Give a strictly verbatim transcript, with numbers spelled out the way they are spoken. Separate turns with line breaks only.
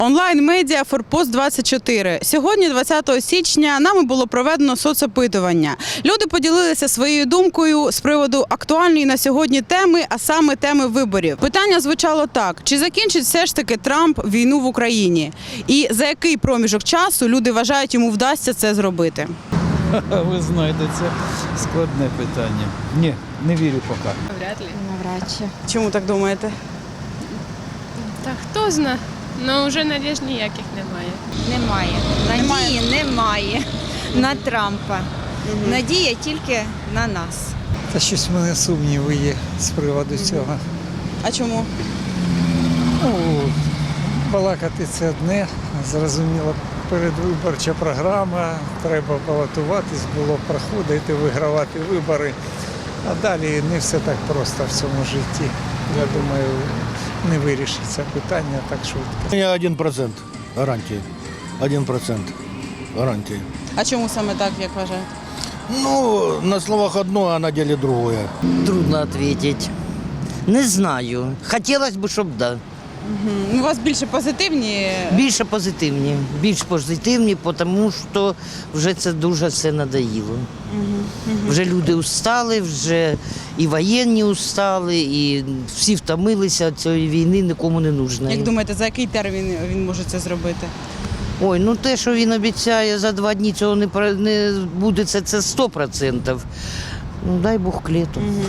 Онлайн-медіа «Форпост двадцять чотири». Сьогодні, двадцятого січня, нами було проведено соцопитування. Люди поділилися своєю думкою з приводу актуальної на сьогодні теми, а саме теми виборів. Питання звучало так: чи закінчить все ж таки Трамп війну в Україні? І за який проміжок часу люди вважають, йому вдасться це зробити?
Ви знаєте, це складне питання. Ні, не вірю поки.
Вряд ли.
Навряд чи.
Чому так думаєте?
Та хто зна, ну вже надіж ніяких немає.
Немає. Надії немає на Трампа. Надія тільки на нас.
Та щось в мене сумніви є з приводу цього.
А чому?
Ну, балакати це одне, зрозуміло, передвиборча програма, треба балотуватись, було проходити, вигравати вибори. А далі не все так просто в цьому житті. Я думаю, не вирішиться питання так швидко.
Я один процент гарантії. Один процент гарантії.
А чому саме так, як вважаєте?
Ну, на словах одно, а на деле другое.
Трудно ответить. Не знаю. Хотілося б, щоб да.
У вас більше позитивні?
Більше позитивні. Більш позитивні, тому що вже це дуже все надоїло. Вже люди устали, вже і воєнні устали, і всі втомилися від цієї війни, нікому не нужно.
Як думаєте, за який термін він може це зробити?
Ой, ну те, що він обіцяє, за два дні цього не, про- не буде, це, це сто відсотків. Ну дай Бог к літу.